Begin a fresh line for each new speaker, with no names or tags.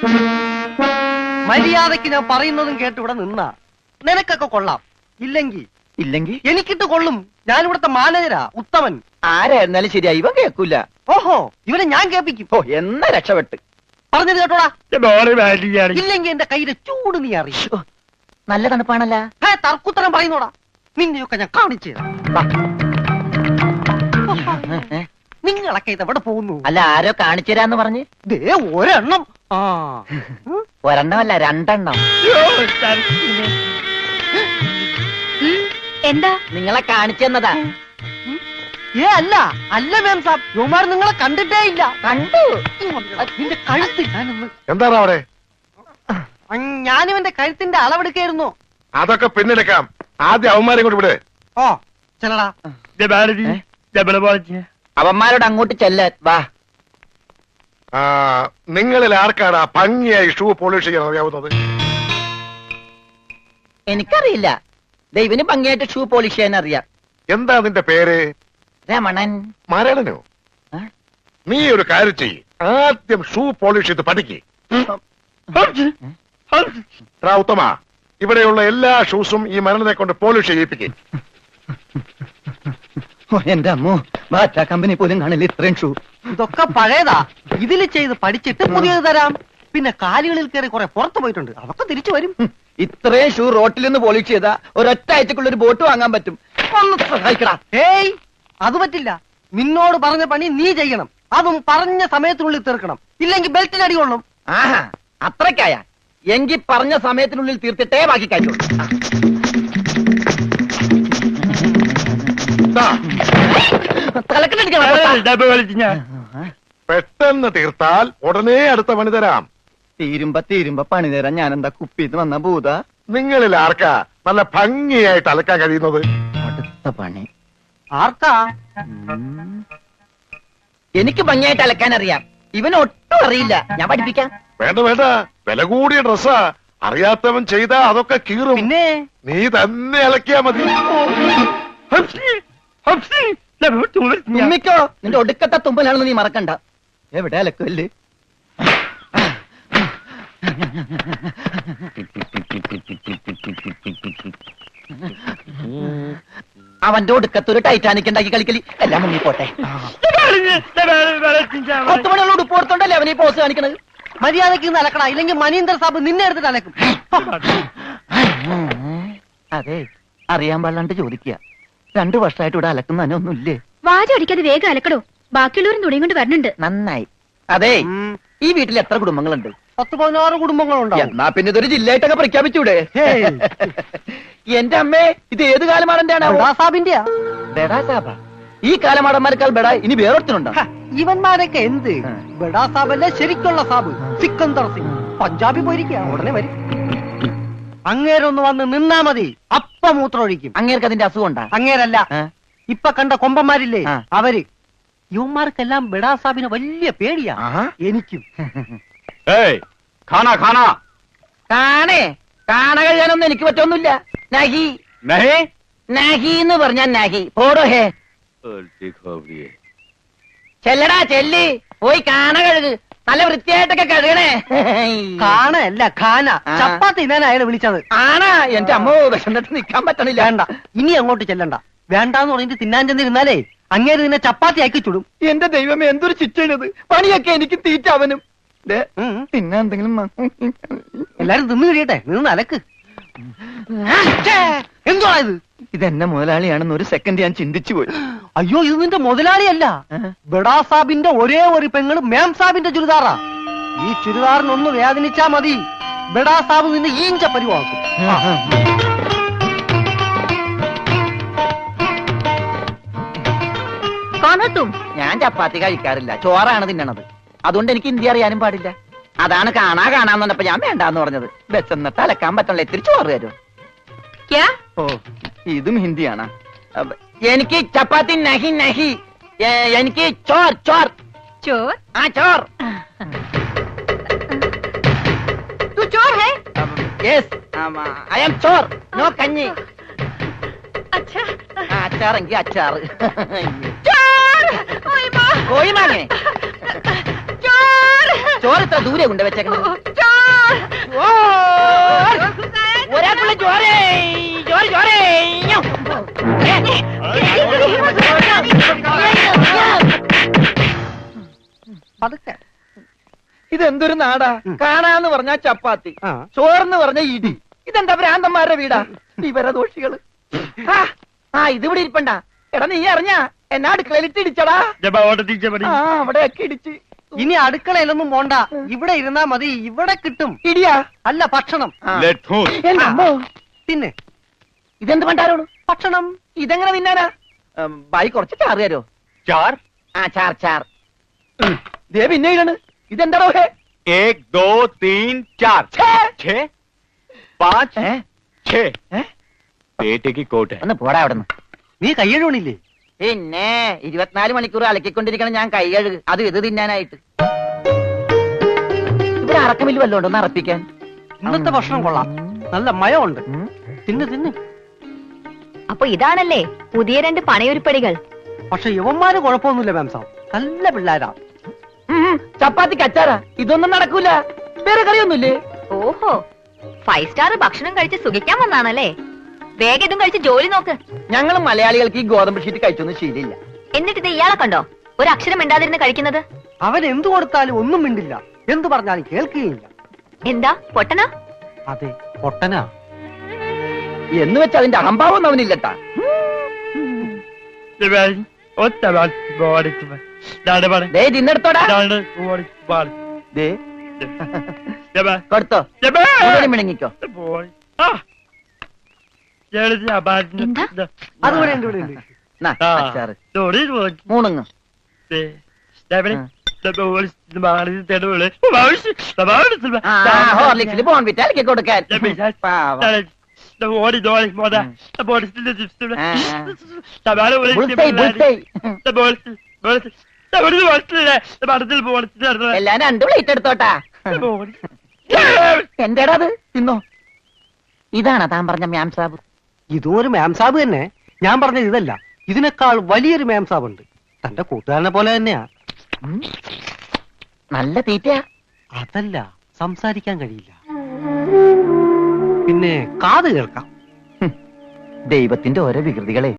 മര്യാദക്ക് ഞാൻ പറയുന്നതും കേട്ട് ഇവിടെ നിന്നാ നിനക്കൊക്കെ കൊള്ളാം. ഇല്ലെങ്കിൽ എനിക്കിട്ട് കൊള്ളും. ഞാൻ ഇവിടുത്തെ മാനേജരാ, ഉത്തമൻ.
ആരായിരുന്നാലും ശരിയാ, ഇവൻ കേൾക്കൂല.
ഓഹോ, ഇവനെ ഞാൻ കേൾപ്പിക്കും.
ഓ, എന്നാ രക്ഷപ്പെട്ട്.
പറഞ്ഞത് കേട്ടോടാ. ഇല്ലെങ്കിൽ എന്റെ കയ്യിലെ ചൂട് നീ അറിയോ?
നല്ല തണുപ്പാണല്ല.
തർക്കുത്തരം പറയുന്നോടാ. നിന്നെയൊക്കെ ഞാൻ കാണിച്ചു തരാം. നിങ്ങളൊക്കെ ഇത് എവിടെ പോകുന്നു?
അല്ല, ആരോ കാണിച്ചു തരാന്ന് പറഞ്ഞ്.
ദേ ഒരെണ്ണം.
ഒരെണ്ണമല്ല, രണ്ടെണ്ണം.
എന്താ?
നിങ്ങളെ കാണിച്ചു തന്നതാ.
അല്ല മാം സാബ്, യുമാർ നിങ്ങളെ കണ്ടിട്ടേ ഇല്ല.
കണ്ടു.
നിന്റെ കഴുത്ത് ഞാനൊന്ന്.
എന്താണ് അവിടെ?
ഞാനിവന്റെ കഴുത്തിന്റെ അളവെടുക്കായിരുന്നു.
അതൊക്കെ പിന്നെടുക്കാം. ആദ്യം അവന്മാരെ കൊണ്ട് വിട്.
ഓ ചെല്ലടാ.
അവന്മാരോട് അങ്ങോട്ട് ചെല്ലാൻ വാ.
നിങ്ങളിൽ ആർക്കാണ് ഭംഗിയായി ഷൂ പോളിഷ് ചെയ്യാൻ അറിയാവുന്നത്?
എനിക്കറിയില്ല. ദൈവന് ഭംഗിയായിട്ട് ഷൂ പോളിഷ് ചെയ്യാൻ അറിയാം.
എന്താ നിന്റെ പേര്?
രമണൻ.
മരണനോ? നീ ഒരു കാര്യം ചെയ്യ്, ആദ്യം ഷൂ പോളിഷ് ചെയ്ത് പഠിക്ക്. ഉത്തമ, ഇവിടെയുള്ള എല്ലാ ഷൂസും ഈ മരണനെ കൊണ്ട് പോളിഷ് ചെയ്യിപ്പിക്കും.
എന്റെ അമ്മോ, ബാറ്റ കമ്പനി പോലും കാണില്ല ഇത്രയും ഷൂ.
ഇതൊക്കെ പഴയതാ. ഇതിൽ ചെയ്ത് പഠിച്ചിട്ട് പുതിയത് തരാം. പിന്നെ കാലുകളിൽ കയറി കുറെ പുറത്തു പോയിട്ടുണ്ട്, അതൊക്കെ തിരിച്ചു വരും.
ഇത്രയും ഷൂ റോട്ടിൽ നിന്ന് പോളിഷ് ചെയ്താ ഒരൊറ്റ ആഴ്ചക്കുള്ള ഒരു ബോട്ട് വാങ്ങാൻ പറ്റും. ഒന്ന് സഹായിക്കടാ.
ഏയ്, അത് പറ്റില്ല. നിന്നോട് പറഞ്ഞ പണി നീ ചെയ്യണം. അതും പറഞ്ഞ സമയത്തിനുള്ളിൽ തീർക്കണം. ഇല്ലെങ്കിൽ ബെൽറ്റിന് അടി കൊള്ളും.
ആഹാ, അത്രക്കായ എങ്കിൽ പറഞ്ഞ സമയത്തിനുള്ളിൽ തീർത്തിട്ടേ ബാക്കി കഴിയുള്ളൂ.
പെട്ടെന്ന് തീർത്താൽ ഉടനെ അടുത്ത പണി തരാം.
തീരുമ്പ പണി തരാൻ ഞാൻ എന്താ കുപ്പിന്ന് വന്ന ഭൂത?
നിങ്ങളിൽ ആർക്കാ നല്ല ഭംഗിയായിട്ട് അലക്കാൻ കഴിയുന്നത്?
അടുത്ത പണി
ആർക്കാ?
എനിക്ക് ഭംഗിയായിട്ട് അലക്കാൻ അറിയാം. ഇവന് ഒട്ടും അറിയില്ല. ഞാൻ പഠിപ്പിക്കാം.
വേണ്ട, വില കൂടിയ ഡ്രസ്സാ. അറിയാത്തവൻ ചെയ്താ അതൊക്കെ കീറും.
പിന്നെ
നീ തന്നെ അലക്കിയാ മതി.
തുമ്മിക്കോ, നിന്റെ ഒടുക്കത്തെ തുമ്പലാണെന്ന് നീ മറക്കണ്ട. എവിടെ അലക്കല്ലേ? അവന്റെ ഒടുക്കത്തൊരു ടൈറ്റാനിക് ഉണ്ടാക്കി കളിക്കലി. എല്ലാം മുങ്ങി പോട്ടെ. 10 മണിയുള്ള ഉടുപ്പ് ഓർത്തോണ്ടല്ലേ അവനീ പോസ് കാണിക്കണത്.
മര്യാദക്ക് അലക്കണ, ഇല്ലെങ്കിൽ മനീന്ദർ സാബ് നിന്നെ എടുത്തിട്ട് അലക്കും.
അതെ, അറിയാൻ പാടില്ലാണ്ട് ചോദിക്കുക. 2 വർഷമായിട്ട് ഇവിടെ അലക്കുന്ന ഒന്നുമില്ലേ?
വാചടിക്കാതെ വേഗം അലക്കടോ. ബാക്കിയുള്ളവരും തുണിയും കൊണ്ട് വരണുണ്ട്.
നന്നായി. അതെ, ഈ വീട്ടിൽ എത്ര കുടുംബങ്ങളുണ്ട്?
10-16 കുടുംബങ്ങളുണ്ടാവും.
എന്നാ പിന്നെ ഇതൊരു ജില്ലയായിട്ടൊക്കെ പ്രഖ്യാപിച്ചൂടെ? എന്റെ അമ്മേ, ഇത് ഏത് കാലമാടന്റെയാണ്? ബെഡാ സാബ. ഈ കാലമാടന്മാരെക്കാൾ ബെഡാ ഇനി വേറൊരുത്തനുണ്ടോ?
ഇവന്മാരൊക്കെ എന്ത്? ബെഡാ സാബല്ലേ ശരിക്കുള്ള സാബ്, സിക്കന്ദർ സിംഗ്. പഞ്ചാബി പോയിരിക്കുക, ഉടനെ വരും. അങ്ങേരൊന്ന് വന്ന് നിന്നാ മതി, അപ്പം മൂത്രമൊഴിക്കും.
അങ്ങേർക്ക് അതിന്റെ അസുഖം ഉണ്ടാ?
അങ്ങേരല്ല, ഇപ്പൊ കണ്ട കൊമ്പന്മാരില്ലേ അവര്. യുവന്മാർക്കെല്ലാം ബെഡാ സാബിന് വലിയ പേടിയാ. എനിക്കും.
കാണ കഴിയാനൊന്നും എനിക്ക് പറ്റൊന്നുമില്ല. നഹി നഹി എന്ന് പറഞ്ഞാൽ നഹി. പോടോ ഹേ. ചെല്ലടാ, ചെല്ലി പോയി കാണ കഴുക്. നല്ല വൃത്തിയായിട്ടൊക്കെ കഴുകണേ.
കാണല്ല, ഖാന. ചപ്പാത്തി ഞാൻ അയാളെ വിളിച്ചത്.
ആണാ? എന്റെ അമ്മോ, വിശന്നിട്ട് നിക്കാൻ പറ്റണില്ല.
വേണ്ട, ഇനി അങ്ങോട്ട് ചെല്ലണ്ട. വേണ്ടാന്ന് പറഞ്ഞിട്ട് തിന്നാൻ ചെന്നിരുന്നാലേ അങ്ങേര് നിന്നെ ചപ്പാത്തി ആക്കി ചുടും.
എന്റെ ദൈവമേ, എന്തൊരു ശിക്ഷയാണിത്. പണിയൊക്കെ എനിക്ക് തീറ്റ അവനും. പിന്നെ എന്തെങ്കിലും
എല്ലാരും തിന്നു കഴിയട്ടെ, നിന്ന് അലക്ക്. എന്തുവാ ഇത്?
ഇതെന്നെ മുതലാളിയാണെന്ന് ഒരു സെക്കൻഡ് ഞാൻ ചിന്തിച്ചു പോയി.
അയ്യോ, ഇത് നിന്റെ മുതലാളിയല്ല. ബെഡാ സാബിന്റെ ഒരേ ഒരു പെങ്ങള് മേം സാബിന്റെ ചുരിദാറാ. ഈ ചുരിദാറിനൊന്ന് വേദനിച്ചാ മതി, ബെഡാ സാബ് നിന്നെ ഈഞ്ച പരിവാക്കും.
ഞാൻ ചപ്പാത്തി കഴിക്കാറില്ല, ചോറാണ് തിന്നണത്. അതുകൊണ്ട് എനിക്ക് ഹിന്ദി അറിയാനും പാടില്ല. അതാണ് കാണാന്ന് പറഞ്ഞപ്പോ ഞാൻ വേണ്ടാന്ന് പറഞ്ഞത്. ബെച്ചെന്നിട്ട് അലക്കാൻ പറ്റണല്ലോ, ഇത്തിരി ചോറ് തരും. ഓ, ഇതും ഹിന്ദിയാണ്. എനിക്ക് ചപ്പാത്തി നഹി നഹി, എനിക്ക് ചോർ ചോർ
ചോർ.
ആ ചോർ.
तू चोर है?
Yes, I am ചോർ. നോ കഞ്ഞി.
अच्छा,
അച്ചാറെങ്കിൽ അച്ചാറ്.
चोर. ओए माँ.
കോഴി മാങ്ങേ.
चोर.
ചോറ് ഇത്ര ദൂരെ കൊണ്ട് വെച്ചേക്കണം. ഒരാൾക്കുള്ള ചോരേ ചോര ചോരേ
പതുക്കെ.
ഇതെന്തൊരു നാടാ. കാണാന്ന് പറഞ്ഞാ ചപ്പാത്തി,
ആ.
ചോറെന്ന് പറഞ്ഞ ഇടി. ഇതെന്താ ഭ്രാന്തന്മാരുടെ വീടാ? വിവരദോഷികള്. ആ ഇതിവിടെ ഇരിപ്പണ്ട. എടാ നീ അറിഞ്ഞാ എന്നാ അടുക്കളയിലിട്ട് ഇടിച്ചടാ. ആ അവിടെയൊക്കെ ഇടിച്ച്.
ഇനി അടുക്കളയിലൊന്നും പോണ്ട, ഇവിടെ ഇരുന്നാ മതി. ഇവിടെ കിട്ടും.
ഇടിയാ?
അല്ല, ഭക്ഷണം.
ആ.
Let
അമ്മോ.
പിന്നെ
ഇതെന്ത് പണ്ടാരോട്?
ഭക്ഷണം.
ഇതെങ്ങനെ തിന്നാനാ? ബായി കുറച്ച് ചാറ് തരോ?
चार
ആ ചാർ ചാർ. ദേ പിന്നെ ഇതാണ്. ഇതെന്താണോ ഹേ?
1 2 3 4 6 5
ഏ?
6
ഏ?
पेटे की कोट है
ഒന്ന് പോടാ അവിടെ നിന്ന്.
നീ കയ്യഴുണില്ലേ?
പിന്നെ 24 മണിക്കൂർ അലക്കിക്കൊണ്ടിരിക്കണം ഞാൻ കൈ കഴുകു. അത് ഇത് തിന്നാനായിട്ട്. ഇവിടെ അറക്കമില്ല വല്ലോണ്ട് ഒന്ന് അറപ്പിക്കാൻ.
ഇന്നത്തെ ഭക്ഷണം കൊള്ളാം, നല്ല മയമുണ്ട്. തിന്ന് തിന്ന്.
അപ്പൊ ഇതാണല്ലേ പുതിയ 2 പണയൊരുപ്പടികൾ.
പക്ഷെ യവന്മാര് കുഴപ്പമൊന്നുമില്ല മാം സാബ്, നല്ല പിള്ളേരാ.
ചപ്പാത്തി കച്ചാറാ. ഇതൊന്നും നടക്കൂല. വേറെ കറിയൊന്നുമില്ലേ?
ഓഹോ, 5 സ്റ്റാർ ഭക്ഷണം കഴിച്ച് സുഖിക്കാൻ വന്നാണല്ലേ. വേഗം ഇതും കഴിച്ച് ജോലി നോക്ക്.
ഞങ്ങൾ മലയാളികൾക്ക് ഈ ഗോതമ്പ് ഷീറ്റ് കഴിച്ചൊന്നും ശീലില്ല.
എന്നിട്ട് ഇത് ഇയാളെ കണ്ടോ ഒരു അക്ഷരം മിണ്ടാതിരുന്ന് കഴിക്കുന്നത്?
അവൻ എന്തു കൊടുത്താലും ഒന്നും മിണ്ടില്ല, എന്തു പറഞ്ഞാലും കേൾക്കുകയില്ല.
എന്താ പൊട്ടനാ?
അതെ, പൊട്ടനാ.
എന്ന് വെച്ച് അതിന്റെ അഹംഭാവം അവനില്ലട്ടാ. ദേ തിന്നെടുത്തോടാ. ദേ കൊടുത്തോ. മുഴുവനും മിണങ്ങിക്കോ.
എന്താ?
അതുകൂടെ ഉണ്ട്, ഇവിടെ ഉണ്ട്.
നാ, അച്ചാറ്. മൂണുങ്ങ്. ഹോർലിക്സിൽ ബോൺവിറ്റ അലക്കി കൊടുക്കാൻ. പാവം. എല്ലാം 2 പ്ലേറ്റ് എടുത്തോട്ടാ. എന്താടാ അത്? തിന്നോ. ഇതാണോ താൻ പറഞ്ഞ മ്യാം സാബ്?
ഇതും ഒരു മാം സാബ് തന്നെ. ഞാൻ പറഞ്ഞത് ഇതല്ല, ഇതിനേക്കാൾ വലിയൊരു മാം സാബ് ഉണ്ട്. തന്റെ കൂട്ടുകാരനെ പോലെ തന്നെയാ.
നല്ല തീറ്റയാ.
അതല്ല, സംസാരിക്കാൻ കഴിയില്ല, പിന്നെ കാത് കേൾക്കാം.
ദൈവത്തിന്റെ ഓരോ വികൃതികളെ.